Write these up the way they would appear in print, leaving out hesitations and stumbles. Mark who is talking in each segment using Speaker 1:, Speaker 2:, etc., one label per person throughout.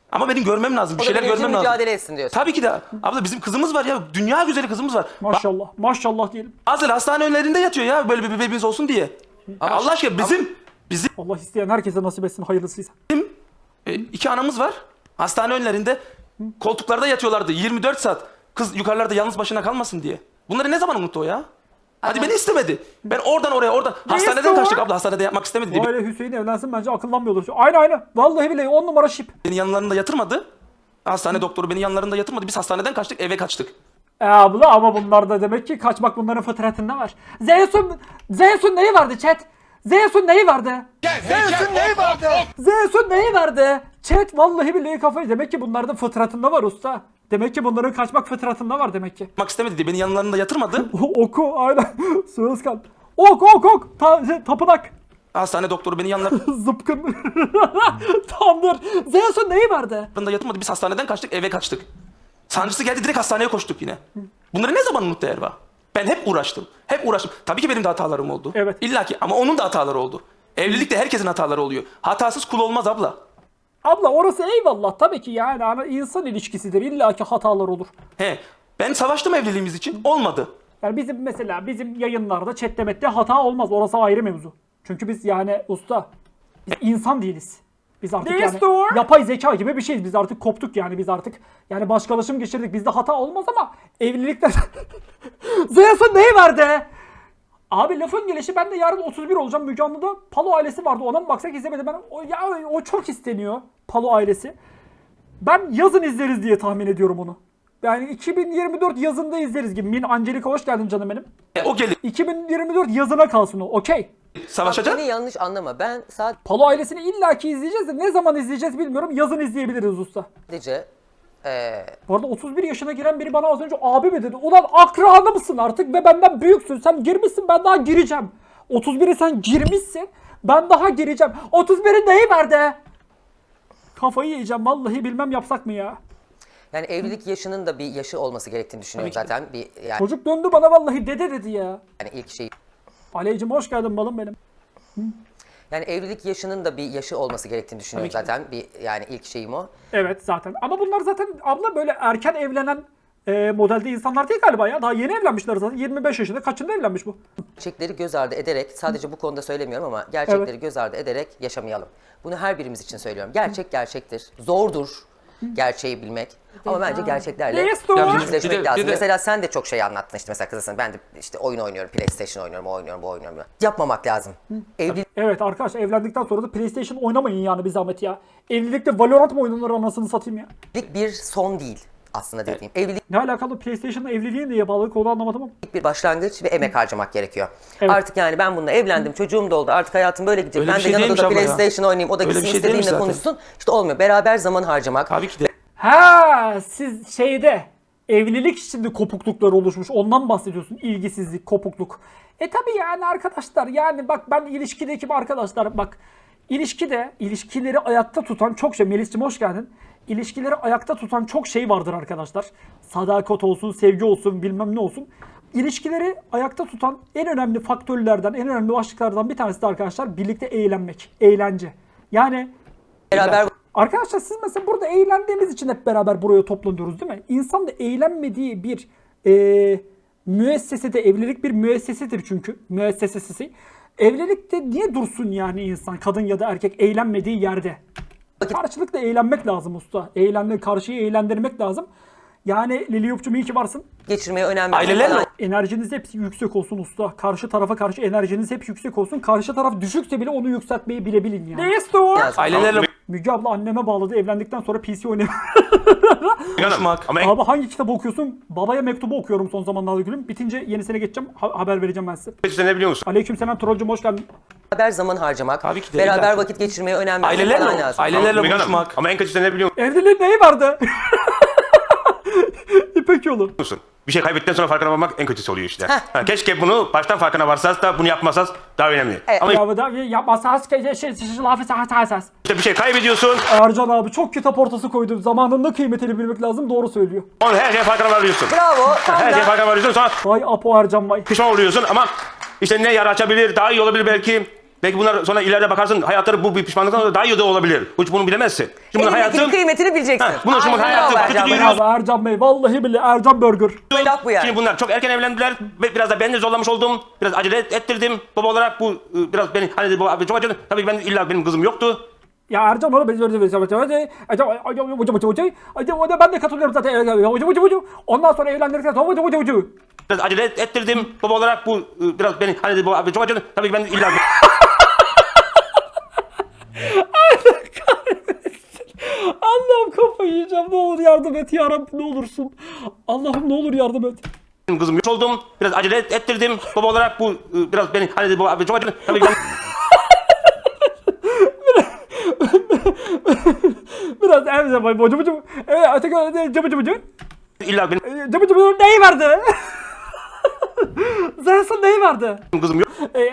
Speaker 1: Ama benim görmem lazım. Bir
Speaker 2: O da
Speaker 1: şeyler
Speaker 2: benim için
Speaker 1: görmem lazım.
Speaker 2: mücadele etsin diyorsun.
Speaker 1: Tabii ki de. Abla bizim kızımız var ya. Dünya güzeli kızımız var.
Speaker 3: Maşallah. Maşallah diyelim.
Speaker 1: Bazıları hastane önlerinde yatıyor ya. Böyle bir bebeğimiz olsun diye.
Speaker 2: Ama
Speaker 1: Allah aşkına bizim
Speaker 3: Allah isteyen herkese nasip etsin hayırlısıysa.
Speaker 1: iki anamız var. Hastane önlerinde koltuklarda yatıyorlardı 24 saat. Kız yukarılarda yalnız başına kalmasın diye. Bunları ne zaman unuttu o ya? Hadi beni istemedi. Ben oradan oraya hastaneden
Speaker 3: istiyor?
Speaker 1: kaçtık abla, hastanede yapmak istemedi diye.
Speaker 3: O aile Hüseyin evlensin bence akıllanmıyordur. Aynı. Vallahi billahi 10 numara şip.
Speaker 1: Beni yanlarında yatırmadı. Hastane doktoru beni yanlarında yatırmadı. Biz hastaneden kaçtık, eve kaçtık.
Speaker 3: Abla ama bunlarda demek ki kaçmak bunların fıtratında var. Zeus'un neyi vardı chat? Zeus'un neyi vardı? Zeus'un neyi vardı? Chat vallahi billahi kafayı. Demek ki bunların fıtratında var usta. Demek ki bunların kaçmak fıtratında var demek ki.
Speaker 1: Yapmak istemedi diye beni yanlarında yatırmadı.
Speaker 3: Oku aynen. Sığızkan. Ok. Tapınak.
Speaker 1: Hastane doktoru beni yanlarında
Speaker 3: Zıpkın. Tandır. Zeus'un neyi vardı?
Speaker 1: yatırmadı. Biz hastaneden kaçtık, eve kaçtık. Sancısı geldi, direkt hastaneye koştuk yine. Bunları ne zaman unuttu Erva? Ben hep uğraştım. Tabii ki benim de hatalarım oldu.
Speaker 3: Evet.
Speaker 1: İlla ki, ama onun da hataları oldu. Evlilikte herkesin hataları oluyor. Hatasız kul olmaz abla.
Speaker 3: Abla orası eyvallah tabii ki yani insan ilişkisidir. İlla ki hatalar olur.
Speaker 1: Ben savaştım evliliğimiz için. Olmadı.
Speaker 3: Yani bizim yayınlarda chat'te hata olmaz. Orası ayrı mevzu. Çünkü biz yani usta biz insan değiliz. Biz artık yapay zeka gibi bir şeyiz. Biz artık koptuk yani biz artık yani başkalaşım geçirdik. Bizde hata olmaz ama evlilikte Zeus'un neyi vardı? Abi lafın gelişi ben de yarın 31 olacağım. Müge Anlı'da Palo ailesi vardı. Ona mı baksak izlemedim. O çok isteniyor. Palo ailesi. Ben yazın izleriz diye tahmin ediyorum onu. Yani 2024 yazında izleriz gibi. Min Angelika hoş geldin canım benim.
Speaker 1: O gelir.
Speaker 3: 2024 yazına kalsın o. Okey.
Speaker 1: Savaşacak.
Speaker 2: Beni yanlış anlama. Ben
Speaker 3: Palo ailesini illaki izleyeceğiz de ne zaman izleyeceğiz bilmiyorum. Yazın izleyebiliriz usta.
Speaker 2: sadece
Speaker 3: Bu arada 31 yaşına giren biri bana az önce abi mi dedi? Ulan akranı mısın artık ve benden büyüksün. Sen girmişsin, ben daha gireceğim. 31'e sen girmişsin, ben daha gireceğim. 31'in neyi vardı? Kafayı yiyeceğim vallahi, bilmem yapsak mı ya?
Speaker 2: yani evlilik yaşının da bir yaşı olması gerektiğini düşünüyorum
Speaker 1: Tabii ki.
Speaker 2: zaten. Yani
Speaker 3: Çocuk döndü bana vallahi dede dedi ya.
Speaker 2: ilk şey.
Speaker 3: Aleycim hoş geldin balım benim.
Speaker 2: Yani evlilik yaşının da bir yaşı olması gerektiğini düşünüyorum
Speaker 1: Tabii ki.
Speaker 2: zaten. Yani ilk şeyim o.
Speaker 3: Evet zaten. Ama bunlar zaten abla böyle erken evlenen modelde insanlar değil galiba ya. Daha yeni evlenmişler zaten. 25 yaşında. Kaçında evlenmiş bu?
Speaker 2: Gerçekleri göz ardı ederek, sadece bu konuda söylemiyorum ama gerçekleri göz ardı ederek yaşamayalım. Bunu her birimiz için söylüyorum. Gerçek gerçektir. Zordur gerçeği bilmek. Ama bence gerçeklerle
Speaker 3: Yes, doğru.
Speaker 2: yüzleşmek
Speaker 1: Bir de-
Speaker 2: lazım.
Speaker 1: bir de-
Speaker 2: Mesela sen de çok şey anlattın işte, mesela kızısın. Ben de işte oyun oynuyorum, PlayStation oynuyorum, o oynuyorum, bu oynuyorum. Yapmamak lazım. Evlilik
Speaker 3: Evet arkadaşlar, evlendikten sonra da PlayStation oynamayın yani bir zahmet ya. Evlilikte Valorant mı oynanır anasını satayım ya.
Speaker 2: bir son değil aslında dediğim. Evlilik
Speaker 3: Ne alakalı PlayStation'la evliliğin neye bağlı konu anlamadım ama.
Speaker 2: bir başlangıç ve emek harcamak gerekiyor.
Speaker 3: Evet.
Speaker 2: Artık yani ben bununla evlendim, çocuğum da oldu, artık hayatım böyle gidecek.
Speaker 1: Öyle
Speaker 2: Ben
Speaker 1: bir
Speaker 2: de
Speaker 1: şey
Speaker 2: yanında
Speaker 1: değilmiş
Speaker 2: da
Speaker 1: abla ya.
Speaker 2: PlayStation oynayayım, o da
Speaker 1: Öyle
Speaker 2: gitsin
Speaker 1: bir şey değilmiş
Speaker 2: istediğinle
Speaker 1: zaten.
Speaker 2: konuşsun. İşte olmuyor. Beraber zaman harcamak.
Speaker 1: Tabii ki de.
Speaker 3: Ha, siz şeyde evlilik içinde kopukluklar oluşmuş. Ondan bahsediyorsun. İlgisizlik, kopukluk. Tabi yani arkadaşlar, yani bak ben ilişkideki arkadaşlar, bak ilişkileri ayakta tutan çok şey. Melis'cim hoş geldin. İlişkileri ayakta tutan çok şey vardır arkadaşlar. Sadakat olsun, sevgi olsun, bilmem ne olsun. İlişkileri ayakta tutan en önemli faktörlerden, en önemli başlıklardan bir tanesi de arkadaşlar birlikte eğlenmek, eğlence. Yani
Speaker 2: Beraber
Speaker 3: arkadaşlar siz mesela burada eğlendiğimiz için hep beraber buraya toplanıyoruz değil mi? İnsan da eğlenmediği bir müessesede, evlilik bir müessesedir çünkü. Müessesesi. Evlilikte niye dursun yani insan, kadın ya da erkek eğlenmediği yerde? Karşılıklı eğlenmek lazım usta. Karşıyı eğlendirmek lazım. Yani Liliyup'cum iyi ki varsın.
Speaker 2: geçirmeye önem
Speaker 1: Ailelerle-
Speaker 2: falan.
Speaker 3: Enerjiniz hep yüksek olsun usta. Karşı tarafa karşı enerjiniz hep yüksek olsun. Karşı taraf düşükse bile onu yükseltmeyi bilebilin yani.
Speaker 1: Ailelerle
Speaker 3: Müge abla anneme bağladı. Evlendikten sonra PC oynayamıyor.
Speaker 1: konuşmak.
Speaker 4: Ama
Speaker 3: Abi hangi kitap okuyorsun? Babaya mektubu okuyorum son zamanlarda gülüm. Bitince yenisine geçeceğim. Haber vereceğim ben size.
Speaker 4: kötüsü ne biliyor musun?
Speaker 3: Aleykümselam trollcüm hoş geldin.
Speaker 2: Beraber zaman harcamak.
Speaker 1: Tabii ki de,
Speaker 2: Beraber
Speaker 1: illa ki.
Speaker 2: vakit geçirmeye önem vermek falan
Speaker 1: ailelerle,
Speaker 2: lazım.
Speaker 1: ailelerle
Speaker 4: Müge Hanım,
Speaker 1: buluşmak.
Speaker 4: ama en kötüsü ne biliyor
Speaker 3: Evliliğin neyi vardı? İpek yolu.
Speaker 4: musun? Bir şey kaybettikten sonra farkına varmak en kötüsü oluyor işte. Ha, keşke bunu baştan farkına varsanız da bunu yapmasanız daha önemli. Ama
Speaker 3: Ya da yapmazsanız lafı sahasas.
Speaker 4: işte bir şey kaybediyorsun,
Speaker 3: Ercan abi çok kitap ortası koydu. Zamanında kıymetini bilmek lazım. Doğru söylüyor.
Speaker 4: onu her şeye farkına varıyorsun.
Speaker 2: Bravo. Tam
Speaker 4: Her şeye
Speaker 2: da
Speaker 4: farkına varıyorsun, sonra
Speaker 3: Vay Apo Ercan vay.
Speaker 4: pişman oluyorsun ama işte ne yara açabilir, daha iyi olabilir belki. Belki bunlar sonra ileride bakarsın hayatları bu bir pişmanlıktan sonra daha iyi de olabilir. Hiç bunu bilemezsin. Şimdi bunun
Speaker 2: Elindekinin
Speaker 4: hayatı...
Speaker 2: kıymetini bileceksin.
Speaker 4: bunun şimdi
Speaker 2: Aynen
Speaker 4: hayatı
Speaker 2: bravo
Speaker 4: kötü
Speaker 2: Ercan Bey.
Speaker 4: dünya-
Speaker 3: Bravo Ercan Bey. Vallahi billahi Ercan Burger.
Speaker 2: Laf bu yani.
Speaker 4: Şimdi bunlar çok erken evlendiler ve biraz da ben de zorlamış oldum. Biraz acele ettirdim. Baba olarak bu biraz beni hani baba çok acele. Tabii ki ben illa benim kızım yoktu.
Speaker 3: Ya Ercan onu ben de katılıyorum zaten. Ondan sonra evlendirirken
Speaker 4: Biraz acele ettirdim. Baba olarak bu biraz beni hani baba çok acele. Tabii ki ben illa
Speaker 3: Allah'ım kafayı yiyeceğim. Ne olur yardım et ya Rabbim, ne olursun. Allah'ım ne olur yardım et.
Speaker 4: benim kızım yok oldum. Biraz acele ettirdim. Baba olarak bu biraz beni hani baba çok acele. Tabii ki ben
Speaker 3: Biraz evde bay bocu. Evet öteki cıbı
Speaker 4: illa benim
Speaker 3: cıbı neyi verdi? Zerson neyi verdi?
Speaker 4: kızım yok.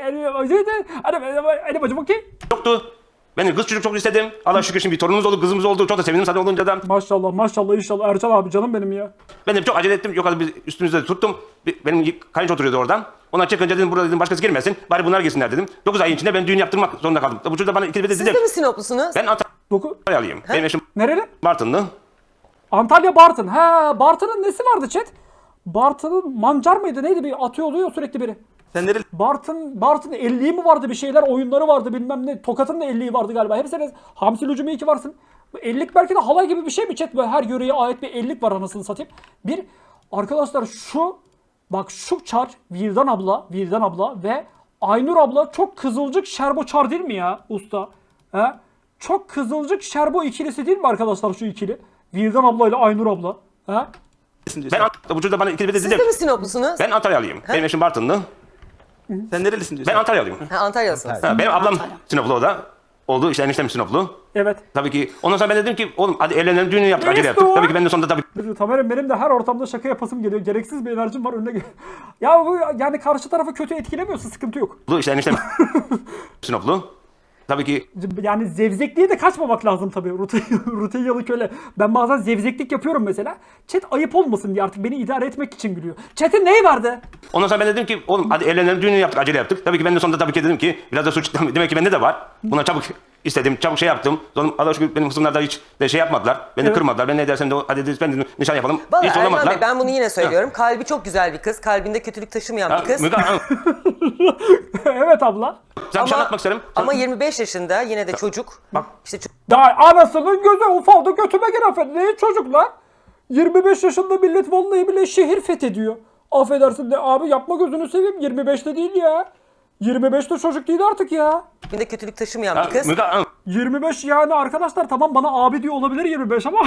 Speaker 3: Hadi bacım okey.
Speaker 4: Yoktu. Ben de kız çocuk çok istedim. Allah şükür şimdi bir torunumuz oldu, kızımız oldu. Çok da sevindim zaten olunca da.
Speaker 3: Maşallah maşallah inşallah Ercan abi canım benim ya.
Speaker 4: Ben de çok acele ettim. Yok hadi biz üstümüzde tuttum. Benim kayınço oturuyordu oradan. Ona çıkınca dedim burada dedim başkası girmesin. Bari bunlar girsinler dedim. 9 ayın içinde ben düğün yaptırmak zorunda kaldım. Bu çocuk da bana ikili bir de
Speaker 2: Siz
Speaker 4: dedi.
Speaker 2: de mi Sinoplusunuz?
Speaker 4: Ben
Speaker 3: Doku.
Speaker 4: Antalyalıyım. Benim eşim
Speaker 3: Nereli?
Speaker 4: Bartınlı.
Speaker 3: Antalya Bartın. He Bartın'ın nesi vardı chat? Bartın'ın mancar mıydı neydi, bir atıyor oluyor sürekli biri.
Speaker 1: Sen nereli?
Speaker 3: Bartın 50'yi mi vardı, bir şeyler oyunları vardı bilmem ne. Tokat'ın da 50'yi vardı galiba. Hepsine Hamsi Lucumi 2 varsın. Bu 50'lik belki de halay gibi bir şey mi chat? Böyle her yöreye ait bir 50'lik var anasını satayım. Bir arkadaşlar şu çar Vildan abla ve Aynur abla çok kızılcık şerbo çar değil mi ya usta? He? Çok kızılcık şerbo ikilisi değil mi arkadaşlar şu ikili? Vildan abla ile Aynur abla. He?
Speaker 4: Ben bu çocuk da bana ikili bir de
Speaker 2: Siz
Speaker 4: dedi.
Speaker 2: de mi Sinoplusunuz?
Speaker 4: Ben Antalyalıyım. Benim eşim Bartınlı.
Speaker 1: Sen nerelisin diyorsun?
Speaker 4: Ben Antalyalıyım.
Speaker 2: Ha, Antalya'sınız.
Speaker 4: Ha, benim ablam Sinoplu o da. Oldu işte eniştem Sinoplu.
Speaker 3: Evet.
Speaker 4: Tabii ki ondan sonra ben dedim ki oğlum hadi evlenelim düğünü yaptık acele yaptık. Tabii ki ben de sonunda tabii
Speaker 3: Tamer'im benim de her ortamda şaka yapasım geliyor. Gereksiz bir enerjim var önüne Ya bu yani karşı tarafı kötü etkilemiyorsa sıkıntı yok.
Speaker 4: işte eniştem Sinoplu. Tabii ki
Speaker 3: Yani zevzekliğe de kaçmamak lazım tabii. Rutinyalı köle. Ben bazen zevzeklik yapıyorum mesela. Chat ayıp olmasın diye artık beni idare etmek için gülüyor. Chat'in neyi vardı?
Speaker 4: ondan sonra ben dedim ki oğlum hadi evlenelim düğünü yaptık acele yaptık. Tabii ki ben de sonunda tabii ki dedim ki biraz da suç demek ki bende de var. Buna çabuk istedim, çabuk şey yaptım. Sonra Allah'a şükür benim kısımlar da hiç de şey yapmadılar. Beni kırmadılar. Ben ne dersen de hadi dedim, ben dedim, nişan yapalım.
Speaker 2: Vallahi
Speaker 4: Hiç
Speaker 2: Ercan
Speaker 4: olamadılar.
Speaker 2: Bey ben bunu yine söylüyorum. Kalbi çok güzel bir kız. Kalbinde kötülük taşımayan bir kız.
Speaker 3: Evet abla.
Speaker 4: Sen bir şey anlatmak isterim.
Speaker 2: Ama 25 yaşında yine de çocuk.
Speaker 4: Bak.
Speaker 2: İşte
Speaker 3: Daha anasının gözü ufaldı götüme gir affedin. Ne çocuklar? 25 yaşında millet vallahi bile şehir fethediyor. Affedersin de abi yapma gözünü seveyim. 25'te değil ya. 25'te çocuk değil artık ya.
Speaker 2: kalbinde kötülük taşımayan bir kız.
Speaker 3: 25 yani arkadaşlar tamam bana abi diyor olabilir 25 ama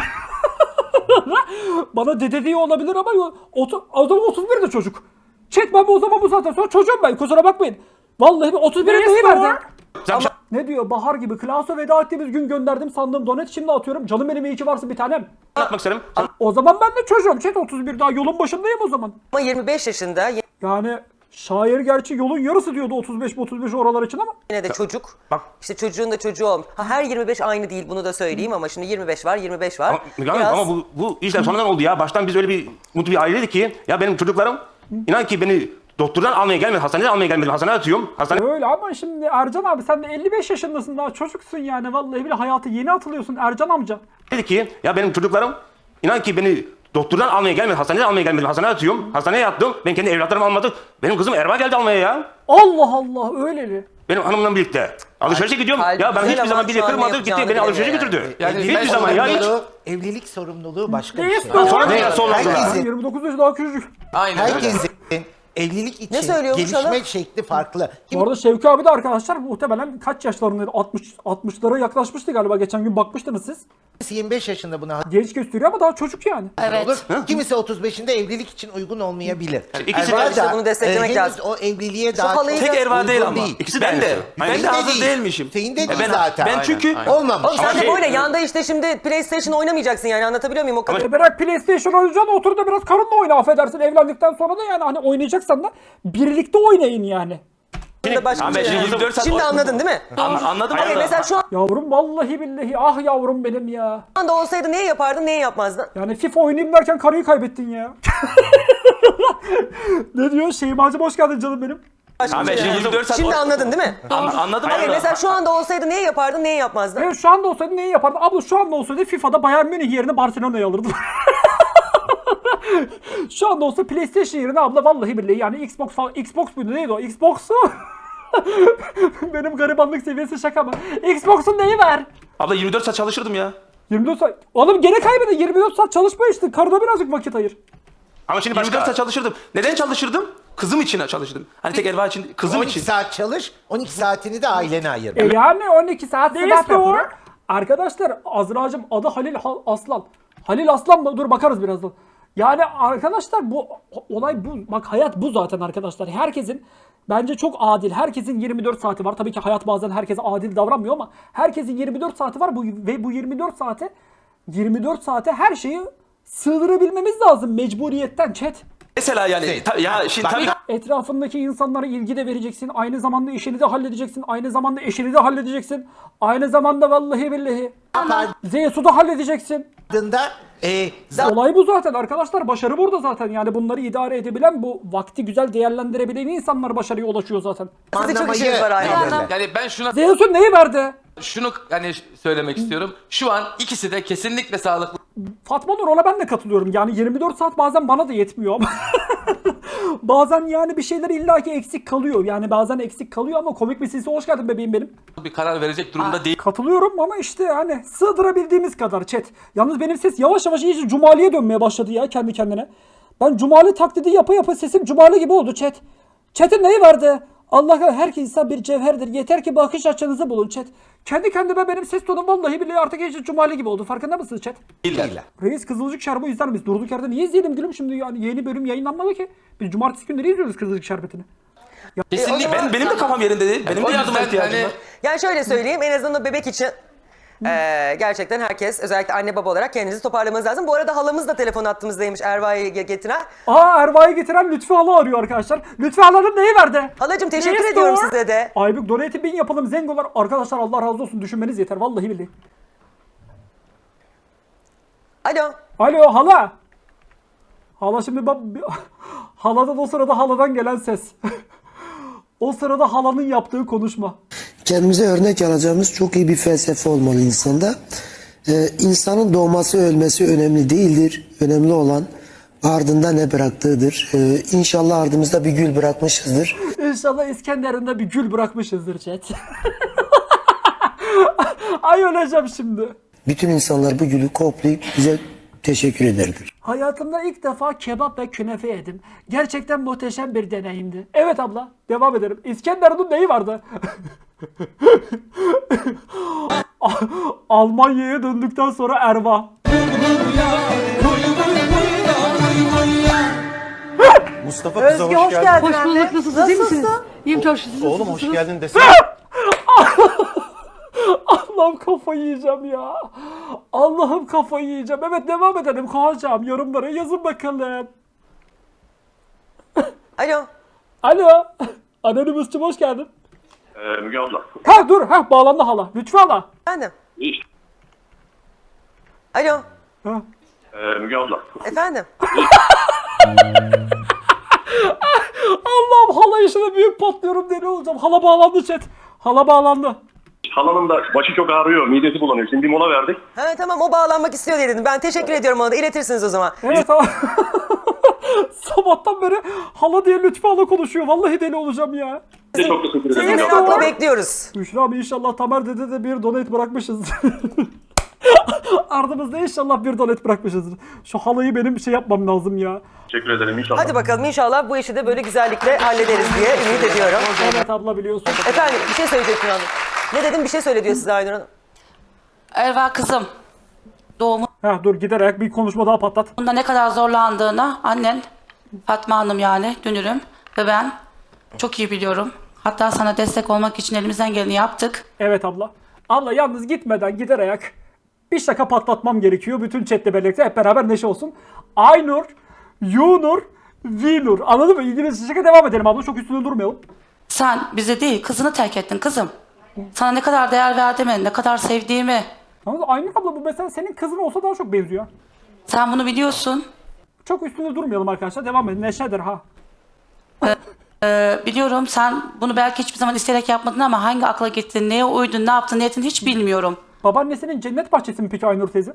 Speaker 3: bana dede diyor olabilir ama o zaman 31 de çocuk. Chat ben o zaman bu saatten sonra çocuğum ben kusura bakmayın. Vallahi 31'e neyi verdi? Ne diyor Bahar gibi Klaus'a veda ettiğimiz gün gönderdim sandığım donet şimdi atıyorum. Canım benim iyi ki varsın bir tanem.
Speaker 4: anlatmak isterim.
Speaker 3: O zaman ben de çocuğum chat 31 daha yolun başındayım o zaman.
Speaker 2: Ama 25 yaşında
Speaker 3: Yani şair gerçi yolun yarısı diyordu 35 oralar için ama.
Speaker 2: yine de çocuk.
Speaker 4: Bak.
Speaker 2: İşte çocuğun da çocuğu olmuş. Ha, her 25 aynı değil bunu da söyleyeyim ama şimdi 25 var 25 var.
Speaker 4: Ama bu işler sonradan oldu ya. Baştan biz öyle bir mutlu bir aileydik ki ya benim çocuklarım inan ki beni doktordan almaya gelmedi, hastaneden almaya gelmedi. Hastaneye atıyorum.
Speaker 3: Öyle ama şimdi Ercan abi sen de 55 yaşındasın daha çocuksun yani vallahi bile hayata yeni atılıyorsun Ercan amca.
Speaker 4: dedi ki ya benim çocuklarım inan ki beni doktordan almaya gelmedi, hastaneden almaya gelmedi. Hastaneye atıyorum. Hastaneye yattım. Ben kendi evlatlarımı almadım. Benim kızım Erva geldi almaya ya.
Speaker 3: Allah Allah öyleli.
Speaker 4: Benim hanımla birlikte. Alışverişe gidiyorum.
Speaker 2: kalbi
Speaker 4: Ya ben
Speaker 2: güzel
Speaker 4: hiçbir zaman
Speaker 2: ama
Speaker 4: biri
Speaker 2: şu an ne
Speaker 4: kırmadı. Gitti
Speaker 2: yapacağını
Speaker 4: beni alışverişe
Speaker 2: bilemiyor
Speaker 4: götürdü.
Speaker 5: Yani
Speaker 4: Hiçbir zaman ya hiç.
Speaker 5: evlilik sorumluluğu başka bir
Speaker 3: Neyse
Speaker 5: şey.
Speaker 3: o.
Speaker 4: Sonra ne sonra oldular.
Speaker 5: Herkesin-
Speaker 3: 29 yaş daha küçücük.
Speaker 6: Aynen öyle.
Speaker 5: Herkesin evlilik için
Speaker 2: söylüyormuş
Speaker 5: gelişme
Speaker 2: hanım?
Speaker 5: şekli farklı.
Speaker 3: Bu arada Şevki abi de arkadaşlar muhtemelen kaç yaşlarındaydı? 60'lara yaklaşmıştı galiba. Geçen gün bakmıştınız siz.
Speaker 5: Kimisi 25 yaşında buna
Speaker 3: Genç gösteriyor ama daha çocuk yani.
Speaker 5: olur. Kimisi 35'inde evlilik için uygun olmayabilir.
Speaker 4: İkisi
Speaker 5: Erva
Speaker 4: de-
Speaker 2: işte
Speaker 5: da,
Speaker 2: bunu desteklemek
Speaker 5: henüz
Speaker 2: lazım.
Speaker 5: o evliliğe daha
Speaker 2: halayı
Speaker 5: çok
Speaker 2: da-
Speaker 1: Tek Erva değil
Speaker 5: uygun
Speaker 1: ama.
Speaker 4: İkisi de
Speaker 1: Ben de.
Speaker 4: aynısı.
Speaker 1: Ben de
Speaker 5: Senin de
Speaker 1: hazır
Speaker 5: değil.
Speaker 1: değilmişim.
Speaker 5: Senin de değil
Speaker 1: ben,
Speaker 5: zaten.
Speaker 1: Ben çünkü
Speaker 5: Olmamış.
Speaker 2: Oğlum sen de
Speaker 4: şey-
Speaker 2: böyle yanda işte şimdi PlayStation oynamayacaksın yani anlatabiliyor muyum o kadar?
Speaker 3: Bırak PlayStation oynayacaksın otur da biraz karınla oyna affedersin. Evlendikten sonra da yani hani oynayacaksan da birlikte oynayın yani.
Speaker 2: Da başka
Speaker 1: Ama
Speaker 2: bir şey.
Speaker 1: şimdi 24 saat
Speaker 2: Şimdi anladın değil mi?
Speaker 1: Anladım
Speaker 2: Hayır
Speaker 1: ama.
Speaker 2: mesela şu
Speaker 3: Yavrum vallahi billahi ah yavrum benim ya.
Speaker 2: anda olsaydı neyi yapardın neyi yapmazdın?
Speaker 3: Yani FIFA oynayayım derken karıyı kaybettin ya. Ne diyor? Şeymacım hoş geldin canım benim.
Speaker 1: Abi ben şimdi 24 saat...
Speaker 2: Şimdi anladın değil mi?
Speaker 1: Anladım.
Speaker 2: Hayır
Speaker 1: ama-
Speaker 2: mesela şu anda olsaydı neyi yapardın, neyi yapmazdın?
Speaker 3: Evet, şu anda olsaydı neyi yapardın? Abla şu anda olsaydı FIFA'da Bayern Münih yerine Barcelona'yı alırdım. Şu anda olsa PlayStation yerine abla vallahi billahi yani Xbox muydu neydi o? Xbox'u. Benim garibanlık seviyesi şaka mı? Xbox'un neyi var?
Speaker 1: Abla 24 saat çalışırdım ya.
Speaker 3: 24 saat. Oğlum gene kaybedin. 24 saat çalışma işte. Karına birazcık vakit ayır.
Speaker 4: Ama şimdi
Speaker 1: 24
Speaker 4: başka.
Speaker 1: saat çalışırdım. Neden çalışırdım? Kızım için çalışırdım. Hani tek Erva için, kızım
Speaker 5: 12
Speaker 1: için.
Speaker 5: saat çalış, 12 saatini de ailene ayır.
Speaker 3: Yani 12 saat sebep yapıyor. Arkadaşlar Azra'cığım adı Halil Aslan. Halil Aslan mı? Dur bakarız birazdan. Yani arkadaşlar bu olay bu. Bak hayat bu zaten arkadaşlar. Herkesin bence çok adil. Herkesin 24 saati var. Tabii ki hayat bazen herkese adil davranmıyor ama herkesin 24 saati var ve bu 24 saate her şeyi sığdırabilmemiz lazım mecburiyetten chat.
Speaker 1: Mesela yani ya şimdi tabii
Speaker 3: Etrafındaki insanlara ilgi de vereceksin. Aynı zamanda işini de halledeceksin. Aynı zamanda eşini de halledeceksin. Aynı zamanda vallahi billahi Zeus'u da halledeceksin.
Speaker 5: Ardında
Speaker 3: Olay bu zaten arkadaşlar. Başarı burada zaten. Yani bunları idare edebilen, bu vakti güzel değerlendirebilen insanlar başarıya ulaşıyor zaten.
Speaker 2: Sizin çok işiniz var aile.
Speaker 6: Yani ben
Speaker 3: Zeus'un neyi verdi?
Speaker 6: şunu hani söylemek istiyorum. Şu an ikisi de kesinlikle sağlıklı.
Speaker 3: Fatma Nur, ona ben de katılıyorum. Yani 24 saat bazen bana da yetmiyor ama. Bazen yani bir şeyler illaki eksik kalıyor. Yani bazen eksik kalıyor ama komik bir sesi hoş geldin bebeğim benim.
Speaker 6: Bir karar verecek durumda değil.
Speaker 3: Katılıyorum ama işte hani sığdırabildiğimiz kadar chat. Yalnız benim ses yavaş yavaş iyice Cumali'ye dönmeye başladı ya kendi kendine. Ben Cumali taklidi yapa yapa sesim Cumali gibi oldu chat. Chat'in neyi vardı? Allah her insan bir cevherdir. Yeter ki bakış açınızı bulun chat. Kendi kendime benim ses tonum vallahi billahi artık iyice Cumali gibi oldu. Farkında mısınız chat?
Speaker 5: değiller.
Speaker 3: Reis Kızılcık Şerbeti izler miyiz? Durduk yerde niye izleyelim gülüm şimdi yani yeni bölüm yayınlanmadı ki. Biz cumartesi günleri izliyoruz Kızılcık Şerbeti'ni.
Speaker 6: Kesinlikle.
Speaker 1: benim de kafam yerinde değil. Benim de
Speaker 6: O
Speaker 1: yardıma
Speaker 6: yüzden
Speaker 1: ihtiyacım
Speaker 6: hani
Speaker 1: var.
Speaker 2: Yani şöyle söyleyeyim, en azından o bebek için gerçekten herkes, özellikle anne baba olarak kendinizi toparlamanız lazım. Bu arada halamız da telefon attığımızdaymış, Erva'yı getiren.
Speaker 3: Erva'yı getiren Lütfü Hala arıyor arkadaşlar. Lütfü Hala'nın neyi verdi?
Speaker 2: Halacığım teşekkür
Speaker 3: Yes,
Speaker 2: ediyorum
Speaker 3: Lord.
Speaker 2: size de.
Speaker 3: Aybük donate 1000 yapalım zengolar. Arkadaşlar Allah razı olsun, düşünmeniz yeter vallahi billahi.
Speaker 2: Alo.
Speaker 3: Alo hala. Hala şimdi bak haladan o sırada haladan gelen ses. O sırada halanın yaptığı konuşma.
Speaker 7: Kendimize örnek alacağımız çok iyi bir felsefe olmalı insanda. İnsanın doğması ölmesi önemli değildir. Önemli olan ardında ne bıraktığıdır. İnşallah ardımızda bir gül bırakmışızdır.
Speaker 3: İnşallah İskenderun'da bir gül bırakmışızdır chat. Ay öleceğim şimdi.
Speaker 7: Bütün insanlar bu gülü koklayıp bize teşekkür ederler.
Speaker 3: Hayatımda ilk defa kebap ve künefe yedim. Gerçekten muhteşem bir deneyimdi. Evet abla, devam edelim. İskenderun'un neyi vardı? Almanya'ya döndükten sonra Erva.
Speaker 8: Mustafa kıza hoş geldin.
Speaker 9: Hoş bulduk. Nasılsınız? İyi misiniz? İyiyim çok şükür.
Speaker 8: Oğlum hoş geldin desene.
Speaker 3: Allah'ım kafayı yiyeceğim ya. Allah'ım kafayı yiyeceğim. Evet devam edelim. Kovacağım. Yorumlara yazın bakalım.
Speaker 2: Alo.
Speaker 3: Alo. Anonymous hoş geldin.
Speaker 10: Müge abla.
Speaker 3: Ha dur. Ha bağlandı hala. Lütfü hala.
Speaker 2: Efendim.
Speaker 10: İyi.
Speaker 2: Alo.
Speaker 3: Ha.
Speaker 10: Müge abla.
Speaker 2: Efendim.
Speaker 3: Allah'ım hala işine büyük patlıyorum deli olacağım. Hala bağlandı chat. Hala bağlandı.
Speaker 10: Halanın da başı çok ağrıyor, midesi bulanıyor. Şimdi bir mola verdik.
Speaker 2: Ha tamam, o bağlanmak istiyor diye dedim. Ben teşekkür ediyorum ona da. İletirsiniz o zaman.
Speaker 3: Evet tamam. Sabahtan beri hala diye Lütfü hala konuşuyor. Vallahi deli olacağım ya.
Speaker 10: Size çok teşekkür ederim.
Speaker 2: Sizi
Speaker 10: Müge abla.
Speaker 2: merakla bekliyoruz.
Speaker 3: Büşra abi inşallah Tamer dede de bir donate bırakmışız. Ardımızda inşallah bir donate bırakmışızdır. Şu halayı benim şey yapmam lazım ya.
Speaker 10: Teşekkür ederim inşallah.
Speaker 2: Hadi bakalım, inşallah bu işi de böyle güzellikle hallederiz diye ümit ediyorum.
Speaker 3: Evet abla biliyorsun.
Speaker 2: Efendim bir şey söyleyecektin hanım. Ne dedim, bir şey söyle diyor size Aynur Hanım.
Speaker 9: Erva kızım, doğumunda
Speaker 3: Ha dur giderek bir konuşma daha patlat.
Speaker 9: ne kadar zorlandığını annen, Fatma Hanım yani dünürüm ve ben çok iyi biliyorum. Hatta sana destek olmak için elimizden geleni yaptık.
Speaker 3: Evet abla. Abla yalnız gitmeden giderek bir şaka patlatmam gerekiyor. Bütün chatle birlikte hep beraber neşe olsun. Aynur, Yunur, Vinur. Anladın mı? İngilizce şaka devam edelim abla. Çok üstünde durmayalım.
Speaker 9: Sen bize değil kızını terk ettin kızım. Sana ne kadar değer verdiğimi, ne kadar sevdiğimi.
Speaker 3: Anladın mı? Aynur abla bu mesela senin kızın olsa daha çok benziyor.
Speaker 9: Sen bunu biliyorsun.
Speaker 3: Çok üstünde durmayalım arkadaşlar. Devam edin. Neşedir ha.
Speaker 9: Biliyorum sen bunu belki hiçbir zaman isteyerek yapmadın ama hangi akla gittin, neye uydun, ne yaptın, niyetin hiç bilmiyorum.
Speaker 3: Babaannesinin cennet bahçesi mi peki Aynur teyze?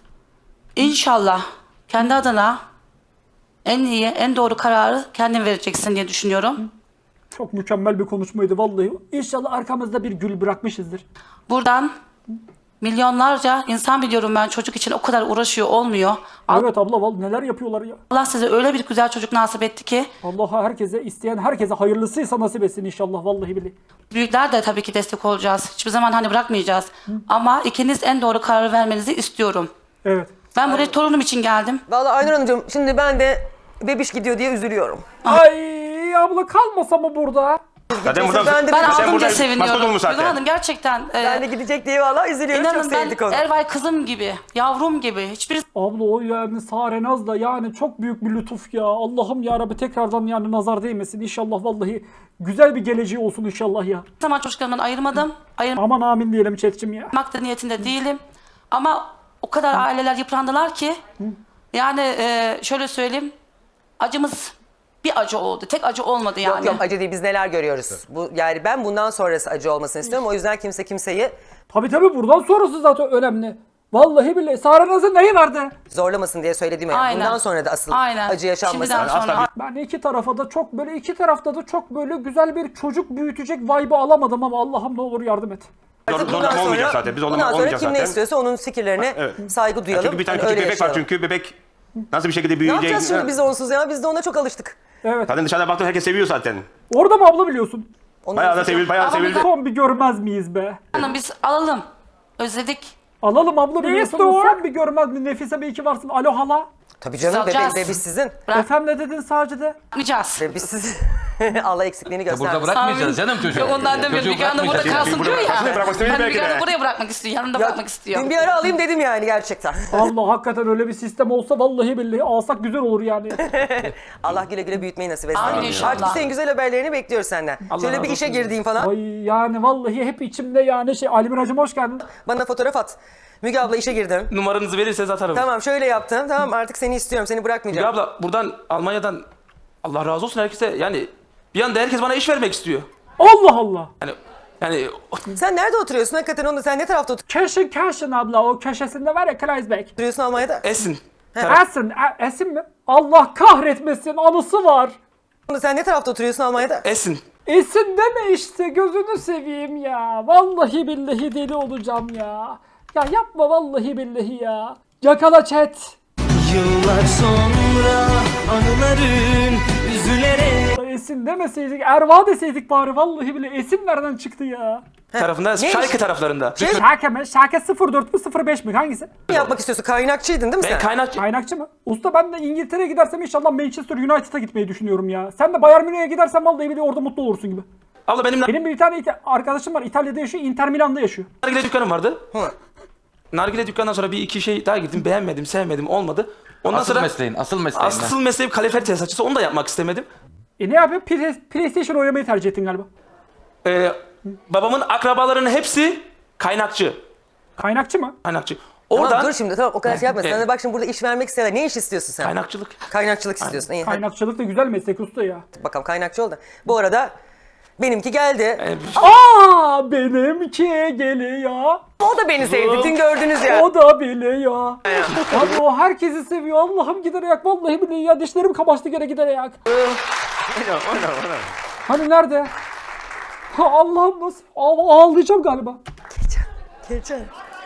Speaker 9: İnşallah kendi adına en iyi, en doğru kararı kendin vereceksin diye düşünüyorum.
Speaker 3: Çok mükemmel bir konuşmaydı vallahi. İnşallah arkamızda bir gül bırakmışızdır.
Speaker 9: Buradan milyonlarca insan biliyorum ben çocuk için o kadar uğraşıyor olmuyor.
Speaker 3: Evet abla vallahi neler yapıyorlar ya.
Speaker 9: Allah size öyle bir güzel çocuk nasip etti ki
Speaker 3: Allah'a herkese isteyen herkese hayırlısıysa nasip etsin inşallah vallahi billahi.
Speaker 9: büyükler de tabii ki destek olacağız. Hiçbir zaman hani bırakmayacağız. Ama ikiniz en doğru kararı vermenizi istiyorum.
Speaker 3: Evet.
Speaker 9: Ben buraya torunum için geldim.
Speaker 2: Vallahi Aynur Hanımcığım şimdi ben de bebiş gidiyor diye üzülüyorum.
Speaker 3: Ay abla kalmasa mı burada?
Speaker 4: Zaten buradan
Speaker 2: Ben de-
Speaker 9: Ben
Speaker 2: Sen
Speaker 9: aldım diye
Speaker 4: burada
Speaker 9: seviniyorum.
Speaker 4: maskot olmuş zaten.
Speaker 9: Gülhan Hanım gerçekten
Speaker 2: Ben de gidecek diye vallahi üzülüyorum. Çok
Speaker 9: inanın ben
Speaker 2: sevdik onu.
Speaker 9: Ervay kızım gibi, yavrum gibi. Hiçbir
Speaker 3: Abla o yani Sarenaz da yani çok büyük bir lütuf ya. Allah'ım ya Rabbi tekrardan yani nazar değmesin. İnşallah vallahi güzel bir geleceği olsun inşallah ya.
Speaker 9: zaman çocuklarımdan ayırmadım. Ayırmak
Speaker 3: Aman amin diyelim chat'cim ya.
Speaker 9: da niyetinde değilim. Ama o kadar aileler yıprandılar ki yani şöyle söyleyeyim acımız bir acı oldu. Tek acı olmadı yani.
Speaker 2: Yok yok acı değil biz neler görüyoruz. Bu yani ben bundan sonrası acı olmasını istiyorum. O yüzden kimse kimseyi
Speaker 3: Tabii buradan sonrası zaten önemli. Vallahi billahi Sarenaz'ın neyi vardı?
Speaker 2: zorlamasın diye söylediğim yani.
Speaker 9: Aynen.
Speaker 2: Bundan sonra da asıl
Speaker 9: Aynen.
Speaker 2: acı yaşanmasın.
Speaker 9: Şimdiden sonra
Speaker 3: Ben iki tarafta da çok böyle güzel bir çocuk büyütecek vibe'ı alamadım ama Allah'ım ne olur yardım et.
Speaker 2: Artık
Speaker 4: Zorlama olmayacak zaten. Biz
Speaker 2: bundan sonra
Speaker 4: olmayacağız
Speaker 2: kim ne
Speaker 4: zaten.
Speaker 2: istiyorsa onun fikirlerine saygı duyalım.
Speaker 4: Çünkü bir tane
Speaker 2: Hani
Speaker 4: küçük
Speaker 2: öyle
Speaker 4: bebek var
Speaker 2: yaşayalım.
Speaker 4: çünkü bebek nasıl bir şekilde
Speaker 2: Ne
Speaker 4: büyüyecek.
Speaker 2: yapacağız şimdi biz onsuz ya? Biz de ona çok alıştık.
Speaker 3: Evet.
Speaker 4: Zaten dışarıda baktığında herkes seviyor zaten.
Speaker 3: Orada mı abla biliyorsun?
Speaker 2: Onun
Speaker 4: Bayağı da
Speaker 2: fikri-
Speaker 4: sevildi, bayağı
Speaker 9: Ama
Speaker 4: sevildi.
Speaker 3: Son bir görmez miyiz be?
Speaker 9: hanım biz alalım. Özledik.
Speaker 3: Alalım abla biliyorsun. Son bir görmez mi? Nefise bir iki varsın. Alo hala.
Speaker 2: Tabii canım
Speaker 9: alacağız.
Speaker 2: bebiş sizin.
Speaker 3: Efendim ne dedin Sacide?
Speaker 9: Bırakmayacağız.
Speaker 2: Bebiş sizin. Allah eksikliğini
Speaker 6: Burada
Speaker 2: göstermesin.
Speaker 6: bırakmayacağız canım çocuğu.
Speaker 9: Yok ondan demiyorum.
Speaker 6: Çocuğu
Speaker 9: Müge Hanım burada
Speaker 6: bırakmayacağız.
Speaker 9: kalsın diyor ya.
Speaker 4: Aslında bırakmak istemiyor
Speaker 9: Hani
Speaker 4: belki
Speaker 9: Müge
Speaker 4: de.
Speaker 9: Hanım buraya bırakmak istiyor. Yanımda bırakmak istiyor.
Speaker 2: Dün bir ara alayım dedim yani gerçekten.
Speaker 3: Allah hakikaten öyle bir sistem olsa vallahi billahi alsak güzel olur yani.
Speaker 2: Allah güle güle büyütmeyi nasip etsin.
Speaker 9: Amin inşallah.
Speaker 2: Artık senin güzel haberlerini bekliyoruz senden. Şöyle
Speaker 1: razı
Speaker 2: bir işe
Speaker 1: olsun.
Speaker 2: girdiğin falan.
Speaker 3: Ay yani vallahi hep içimde yani Almiracım hoş geldin.
Speaker 2: Bana fotoğraf at. Müge abla işe girdim.
Speaker 1: Numaranızı verirseniz atarım.
Speaker 2: Tamam şöyle yaptım. Tamam artık seni istiyorum. Seni
Speaker 1: Müge
Speaker 2: bırakmayacağım.
Speaker 1: abla buradan Almanya'dan Allah razı olsun herkese yani bir anda herkes bana iş vermek istiyor.
Speaker 3: Allah Allah.
Speaker 1: Yani
Speaker 2: Sen nerede oturuyorsun hakikaten onu? Sen ne tarafta
Speaker 3: Keşin abla o köşesinde var ya Kreisbeck.
Speaker 2: oturuyorsun Almanya'da?
Speaker 1: Esin.
Speaker 3: Esin mi? Allah kahretmesin anısı var.
Speaker 2: Sen ne tarafta oturuyorsun Almanya'da?
Speaker 1: Esin.
Speaker 3: Esin deme işte gözünü seveyim ya. Vallahi billahi deli olacağım ya. Ya yapma vallahi billahi ya. Yakala chat.
Speaker 11: Yıllar sonra anıların üzülerek
Speaker 3: Esin demeseydik Erva deseydik bari vallahi bile Esin nereden çıktı ya?
Speaker 1: Tarafında, Schalke taraflarında.
Speaker 3: Şarkı mı? Şarkı 04 mü 05 mi? Hangisi?
Speaker 2: Ne yapmak istiyorsun? Kaynakçıydın değil mi
Speaker 1: Ben
Speaker 2: sen?
Speaker 1: kaynakçı.
Speaker 3: Kaynakçı mı? Usta ben de İngiltere'ye gidersem inşallah Manchester United'a gitmeyi düşünüyorum ya. Sen de Bayern Münih'e gidersen vallahi bile orada mutlu olursun gibi.
Speaker 1: Abla benim
Speaker 3: Benim bir tane arkadaşım var İtalya'da yaşıyor, Inter Milan'da yaşıyor.
Speaker 1: nargile dükkanım vardı. Nargile dükkanından sonra bir iki şey daha gittim. Beğenmedim, sevmedim, olmadı. Ondan
Speaker 6: Asıl
Speaker 1: sonra
Speaker 6: mesleğin, asıl mesleğin.
Speaker 1: asıl mesleğim kalifer tesisatçısı. Onu da yapmak istemedim.
Speaker 3: Ne yapıyor? PlayStation oynamayı tercih ettin galiba.
Speaker 1: Babamın akrabalarının hepsi kaynakçı.
Speaker 3: Kaynakçı mı?
Speaker 1: Kaynakçı.
Speaker 2: Tamam
Speaker 1: Oradan
Speaker 2: dur şimdi tamam o kadar şey yapma.
Speaker 1: Evet.
Speaker 2: Sana de bak şimdi burada iş vermek isteyen ne iş istiyorsun sen?
Speaker 1: kaynakçılık.
Speaker 2: Kaynakçılık istiyorsun. İyi, hadi
Speaker 3: Kaynakçılık da güzel meslek usta ya.
Speaker 2: bakalım kaynakçı ol da. Bu arada benimki geldi.
Speaker 3: Aa benimki geliyor.
Speaker 2: O da beni sevdi. Dün gördünüz ya.
Speaker 3: O da biliyor. Abi o herkesi seviyor. Allah'ım gider ayak. Vallahi billahi ya dişlerim kamaştı gene gider ayak. Hani nerede? Ha, Allah'ım nasıl? Ağlayacağım galiba.
Speaker 2: Geçen.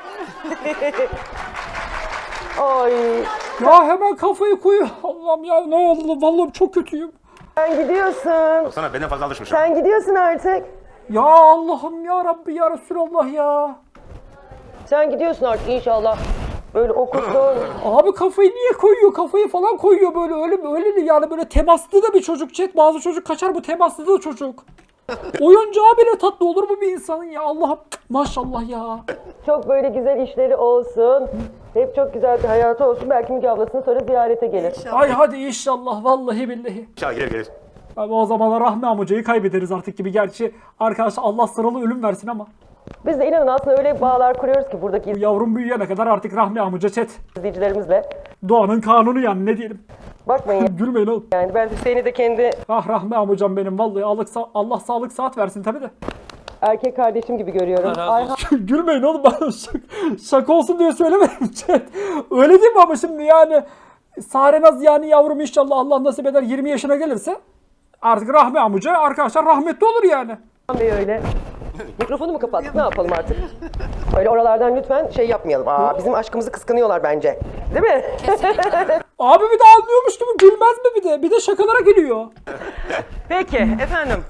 Speaker 2: Ay.
Speaker 3: Ya hemen kafayı koyuyor. Allah'ım ya ne oldu? Vallahi çok kötüyüm.
Speaker 2: Sen gidiyorsun.
Speaker 4: Sana benden fazla alışmışım.
Speaker 2: Sen gidiyorsun artık.
Speaker 3: Ya Allah'ım ya Rabbi ya Resulallah ya.
Speaker 2: Sen gidiyorsun artık inşallah. Böyle okusun.
Speaker 3: Abi kafayı niye koyuyor? Kafayı falan koyuyor böyle öyle yani böyle temaslı da bir çocuk chat. Bazı çocuk kaçar bu temaslı da çocuk. Oyuncağı bile tatlı olur mu bir insanın ya Allah'ım maşallah ya.
Speaker 2: Çok böyle güzel işleri olsun. Hep çok güzel bir hayatı olsun. Belki Müge ablasını sonra ziyarete gelir.
Speaker 3: Ay hadi inşallah vallahi billahi.
Speaker 4: İnşallah gelir.
Speaker 3: Abi o zamanlar Rahmi amcayı kaybederiz artık gibi. Gerçi arkadaşlar Allah sıralı ölüm versin ama.
Speaker 2: Biz de inanın aslında öyle bağlar kuruyoruz ki buradaki
Speaker 3: Bu yavrum büyüyene kadar artık Rahmi amca chat.
Speaker 2: izleyicilerimizle.
Speaker 3: Doğanın kanunu yani ne diyelim.
Speaker 2: Bakmayın
Speaker 3: Gülmeyin oğlum.
Speaker 2: yani ben Hüseyin'i de kendi
Speaker 3: Ah Rahmi amcam benim vallahi Allah sağlık saat versin tabii de.
Speaker 2: erkek kardeşim gibi görüyorum. Ayhan
Speaker 3: Gülmeyin oğlum ben şaka olsun diye söylemedim chat. Öyle değil mi ama şimdi yani Sarenaz yani yavrum inşallah Allah nasip eder 20 yaşına gelirse artık Rahmi amca arkadaşlar rahmetli olur yani.
Speaker 2: Bey öyle. Mikrofonu mu kapattık? Ne yapalım artık? Öyle oralardan lütfen şey yapmayalım. Bizim aşkımızı kıskanıyorlar bence. Değil mi?
Speaker 3: Abi bir de anlıyormuş gibi gülmez mi bir de? Bir de şakalara gülüyor.
Speaker 2: Peki efendim.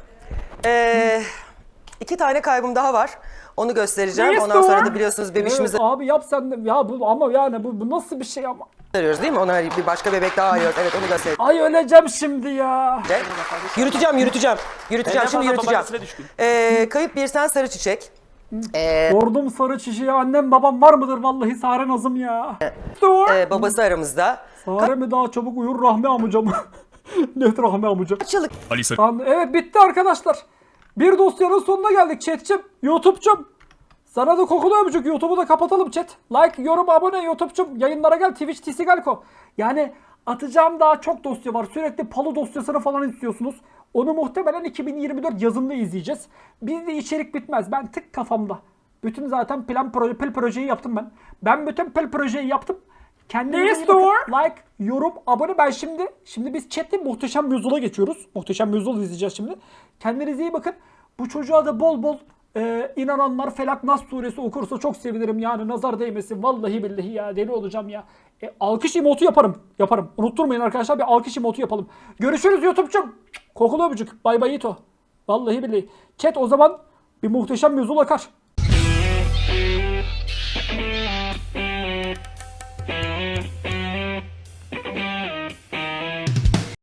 Speaker 2: 2 tane kaybım daha var. Onu göstereceğim.
Speaker 3: Neyse,
Speaker 2: Ondan sonra
Speaker 3: o.
Speaker 2: da biliyorsunuz bebişimizi
Speaker 3: Abi yap sen de. Ya bu ama yani bu nasıl bir şey ama.
Speaker 2: arıyoruz değil mi? Ona bir başka bebek daha arıyoruz. Evet onu göstereceğim.
Speaker 3: Ay öleceğim şimdi ya.
Speaker 2: Yürüteceğim.
Speaker 1: Ben
Speaker 2: Şimdi
Speaker 1: fazla
Speaker 2: yürüteceğim.
Speaker 1: babaannesine düşkün.
Speaker 2: Kayıp bir sen sarı çiçek.
Speaker 3: Sordum sarı çiçeği annem babam var mıdır vallahi Sarenaz'ım ya.
Speaker 2: Babası aramızda.
Speaker 3: Sare mi daha çabuk uyur Rahmi amcam? Net Rahmi amca.
Speaker 2: Kaç yıllık
Speaker 3: Tamam, evet bitti arkadaşlar. Bir dosyanın sonuna geldik chat'cim. YouTube'cum. Sana da kokulu öpücük. YouTube'u da kapatalım chat. Like, yorum, abone YouTube'cum. Yayınlara gel. Twitch, TC Galko. Yani atacağım daha çok dosya var. Sürekli Palu dosyasını falan istiyorsunuz. Onu muhtemelen 2024 yazında izleyeceğiz. Bizde içerik bitmez. Ben tık kafamda. Bütün zaten pil projeyi yaptım ben. Ben bütün pil projeyi yaptım. Kendinize iyi bakın. Like, yorum, abone. Ben şimdi biz chatte Muhteşem Yüzyıl'a geçiyoruz. Muhteşem Yüzyıl izleyeceğiz şimdi. Kendinize iyi bakın. Bu çocuğa da bol bol inananlar Felak Nas suresi okursa çok sevinirim yani nazar değmesin. Vallahi billahi ya deli olacağım ya. Alkış emotu yaparım. Unutturmayın arkadaşlar bir alkış emotu yapalım. Görüşürüz YouTube'cum. Kokulu öpücük. Bay bay Ito. Vallahi billahi. Chat o zaman bir Muhteşem Yüzyıl akar.